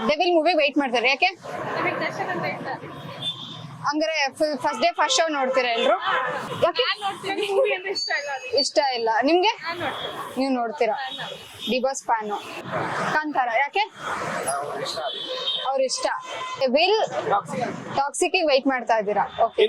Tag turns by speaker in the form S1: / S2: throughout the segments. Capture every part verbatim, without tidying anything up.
S1: Devil movie wait ಮಾಡ್ತಾರೆ ಯಾಕೆ? ಹಂಗಾರೆ ಫಸ್ಟ್ ಡೇ ಫಸ್ಟ್ ಶೋ ನೋಡ್ತೀರಾ ಎಲ್ರು? ಯಾಕೆ ಇಷ್ಟ ಇಲ್ಲ ನಿಮ್ಗೆ? ನೀವು ನೋಡ್ತೀರಾ? D boss fan. ಕಾಂತಾರ ಯಾಕೆ? ಅವ್ರ ಇಷ್ಟ. ವಿಲ್ ಟಾಕ್ಸಿಕ್ ವೇಟ್ ಮಾಡ್ತಾ ಇದ್ದೀರಾ? ಓಕೆ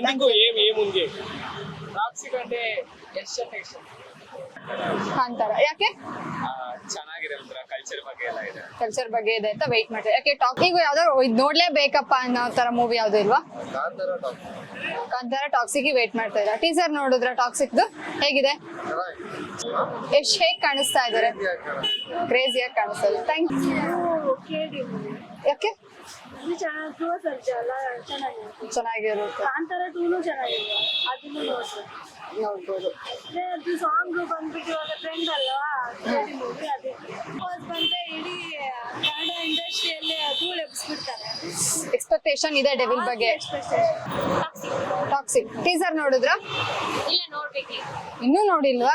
S1: ಕಾಂತಾರ ಯಾಕೆ?
S2: ಚೆನ್ನಾಗಿದೆ, ಒಂಥರ ಕಲ್ಚರ್ ಬಗ್ಗೆ ಎಲ್ಲ ಇದೆ.
S1: ಕಲ್ಚರ್ ಬಗ್ಗೆ ಇದೆ ಅಂತ ವೇಟ್ ಮಾಡ್ತಾರೆ. ಯಾಕೆ ಟಾಕ್ ಈಗ ಯಾವ್ದಾದ್ರು ಇದು ನೋಡ್ಲೇಬೇಕಪ್ಪ ಅನ್ನೋ ತರ ಮೂವಿ ಯಾವ್ದು ಇಲ್ವಾ? ಕಾಂತಾರ ಟಾಕ್ಸಿಕ್ ವೇಟ್ ಮಾಡ್ತಾ ಇದ್ದೀರಾ? ಟೀಸರ್ ನೋಡಿದ್ರ ಟಾಕ್ಸಿಕ್ದು ಹೇಗಿದೆ? ಎಷ್ಟ್ ಹೇಗ್ ಕಾಣಿಸ್ತಾ ಇದಾರೆ? ಕ್ರೇಜಿಯಾಗಿ ಕಾಣಿಸ್ತಾ ಇದೆ. Thank you. ಯಾಕೆ? ಚೆನ್ನಾಗಿರುತ್ತೆ.
S3: ಕಾಂತಾರ ಟೂನು ಚೆನ್ನಾಗಿದೆ, ಅದನ್ನು
S1: ನೋಡ್ಬೋದು.
S3: ಅದು ಸಾಂಗ್ ಬಂದ್ಬಿಟ್ಟು ಇವಾಗ ಟ್ರೆಂಡ್ ಅಲ್ವಾ ಮೂವಿ, ಅದೇ ಬಂದ್ರೆ ಇಡೀ ಕನ್ನಡ ಇಂಡಸ್ಟ್ರಿಯಲ್ಲಿ ಧೂಳು ಎಬ್ಬಿಸ್ಬಿಡ್ತಾರೆ.
S1: ಎಕ್ಸ್ಪೆಕ್ಟೇಷನ್ ಇದೆ ಡೆವಿಲ್ ಬಗ್ಗೆ. ಟಾಕ್ಸಿಕ್ ಟೀಸರ್ ನೋಡಿದ್ರ?
S3: ಇಲ್ಲ, ನೋಡ್ಬೇಕು.
S1: ಇನ್ನೂ ನೋಡಿಲ್ವಾ?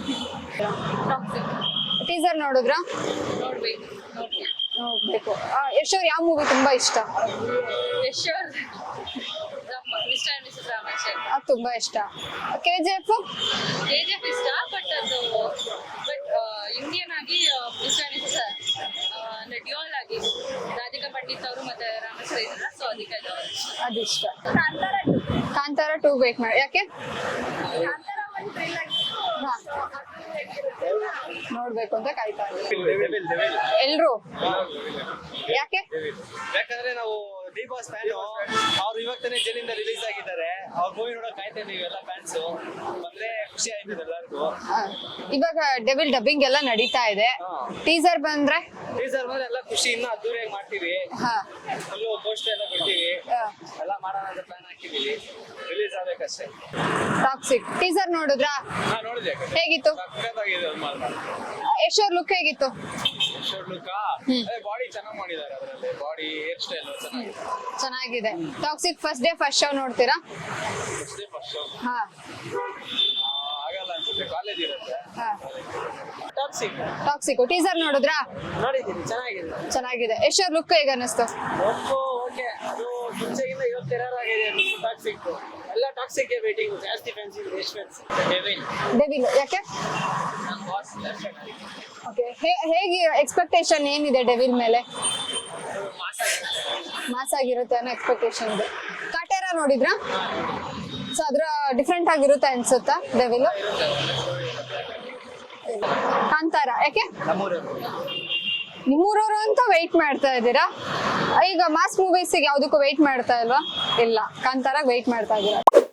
S1: ಟೀಸರ್ ನೋಡಿದ್ರ?
S3: ನೋಡ್ಬೇಕು
S1: ನೋಡ್ಬೇಕು. ಯಶ್ ಅವ್ರ ಯಾವ ಮೂವಿ ತುಂಬಾ ಇಷ್ಟ?
S3: ಯಶ್ ಮಿಸ್ಟರ್ ಮಿಸಸ್ ರಾಮಾಚಾರಿ
S1: ಅದು ತುಂಬಾ ಇಷ್ಟ. K G F
S3: K G F ಇಷ್ಟ, ಬಟ್ ಅದು ಬಟ್ ಇಂಡಿಯನ್ ಆಗಿ ಮಿಸ್ಟರ್ ಮಿಸಸ್ ಡ್ಯೂಯಲ್ ಆಗಿ ರಾಧಿಕಾ ಪಂಡಿತ್ ಅವರು ಮತ್ತೆ ರಾಮಾಚಾರಿ ಇದ್ರಲ್ಲ, ಸೊ ಅದಕ್ಕೆ
S1: ಅದಿಷ್ಟ.
S3: ಕಾಂತಾರ
S1: ಕಾಂತಾರ ಟೂ ವೇಟ್ ಮಾಡಿ. ಯಾಕೆ?
S3: ಕಾಂತಾರ ಒಂದು ಥ್ರಿಲ್ ಆಗಿ
S1: ನೋಡ್ಬೇಕು ಅಂತ ಕಾಯ್ತಾ ಎಲ್ರು. ಯಾಕೆ?
S2: ಯಾಕಂದ್ರೆ ನಾವು ಡಿ ಬಾಸ್ ಫ್ಯಾನ್, ಅವ್ರು ಇವಾಗ ತಾನೇ ಜೈಲಿಂದ ರಿಲೀಸ್ ಆಗಿದ್ದಾರೆ. ಅವ್ರ ಮೂವಿ ನೋಡಕ್ ಕಾಯ್ತಾ ಇದೀವಿ ಎಲ್ಲ ಫ್ಯಾನ್ಸ್. ಬಂದ್ರೆ ಖುಷಿ ಆಯ್ತದೆ ಎಲ್ಲರಿಗೂ.
S1: ಇವಾಗ ಡೆವಿಲ್ ಡಬ್ಬಿಂಗ್ ಎಲ್ಲ ನಡೀತಾ ಇದೆ. ಟೀಸರ್ ಬಂದ್ರೆ
S2: ಟೀಸರ್ ಬಂದ್ರೆ ಎಲ್ಲ ಖುಷಿ ಇನ್ನ ಅದ್ದೂರಿಯಾಗಿ ಮಾಡ್ತೀವಿ.
S1: ಹಾ,
S2: ಫುಲ್ಲು ಪೋಸ್ಟರ್ ಎಲ್ಲ ಕೊಡ್ತೀವಿ, ಎಲ್ಲ ಮಾಡೋಣ ಅಂತ ಪ್ಲಾನ್ ಹಾಕಿದೀವಿ. ರಿಲೀಸ್ ಆಗ್ಬೇಕಷ್ಟೇ.
S1: ಟಾಕ್ಸಿಕ್ ಟೀಸರ್ ನೋಡಿದ್ರಾ?
S2: ಹಾ, ನೋಡಿದೆ.
S1: ಹೇಗಿತ್ತು?
S2: ಸಕ್ಕತ್ತಾಗಿದೆ ಅದು ಮಾತ್ರ.
S1: ಯಶ್ ಅವ್ರ ಲುಕ್ ಹೇಗಿತ್ತು?
S2: ಬಾಡಿ ಚೆನ್ನಾಗಿ ಮಾಡಿದ್ದಾರೆ, ಅದರಲ್ಲಿ ಬಾಡಿ ಹೇರ್ ಸ್ಟೈಲ್ ಚೆನ್ನಾಗಿದೆ.
S1: ಚೆನ್ನಾಗಿದೆ. Toxic first day first show ನೋಡ್ತೀರಾ?
S2: ಫಸ್ಟ್ ಡೇ ಫಸ್ಟ್ ಶೋ
S1: ಹಾ,
S2: ಆಗಲ್ಲ ಅನ್ಸುತ್ತೆ, ಕಾಲೇಜ್ ಇರುತ್ತೆ.
S1: ಹಾ.
S2: ಟಾಕ್ಸಿಕ್
S1: ಟಾಕ್ಸಿಕ್ ಟೀಸರ್ ನೋಡಿದ್ರಾ?
S2: ನೋಡಿದ್ದೀನಿ, ಚೆನ್ನಾಗಿದೆ.
S1: ಚೆನ್ನಾಗಿದೆ. ಯಶ್ ಅವ್ರ ಲುಕ್ ಹೇಗೆ ಅನ್ನಿಸ್ತು?
S2: ಓಕೆ, ಅದು ಮುಂಚೆಗಿಂತ ಇವತ್ತು ಟೆರರ್ ಆಗಿದೆ ಟಾಕ್ಸಿಕ್. ಎಲ್ಲ ಟಾಕ್ಸಿಕ್ ಗೆ ವೇಟಿಂಗ್, ಜಾಸ್ತಿ ಫ್ಯಾನ್ಸ್ ಇದೆ. ಎಷ್ಟು ಫ್ಯಾನ್ಸ್? ಡೆವಿಲ್
S1: ಡೆವಿಲ್ ಯಾಕೆ?
S2: ನಮ್ಮ ಬಾಸ್ ದರ್ಶನ್.
S1: ಓಕೆ, ಹೇಗೆ ಎಕ್ಸ್ಪೆಕ್ಟೇಷನ್ ಏನಿದೆ ಡೆವಿಲ್ ಮೇಲೆ? ಮಾಸ್ ಆಗಿರುತ್ತೆ ಅನ್ನೋ ಎಕ್ಸ್ಪೆಕ್ಟೇಷನ್ ಇದೆ. ಕಾಟೇರ ನೋಡಿದ್ರಾ? ಸೊ ಅದ್ರ ಡಿಫ್ರೆಂಟ್ ಆಗಿರುತ್ತೆ ಅನ್ಸುತ್ತಾ ಡೆವಿಲ್? ಕಾಂತಾರ ಯಾಕೆ? ನಿಮ್ಮೂರವರು ಅಂತ ವೆಯ್ಟ್ ಮಾಡ್ತಾ ಇದ್ದೀರಾ? ಈಗ ಮಾಸ್ ಮೂವೀಸಿಗೆ ಯಾವ್ದಕ್ಕೂ ವೆಯ್ಟ್ ಮಾಡ್ತಾ ಇಲ್ವಾ? ಇಲ್ಲ, ಕಾಂತಾರಾಗ ವೆಯ್ಟ್ ಮಾಡ್ತಾ ಇದ್ದೀರಾ.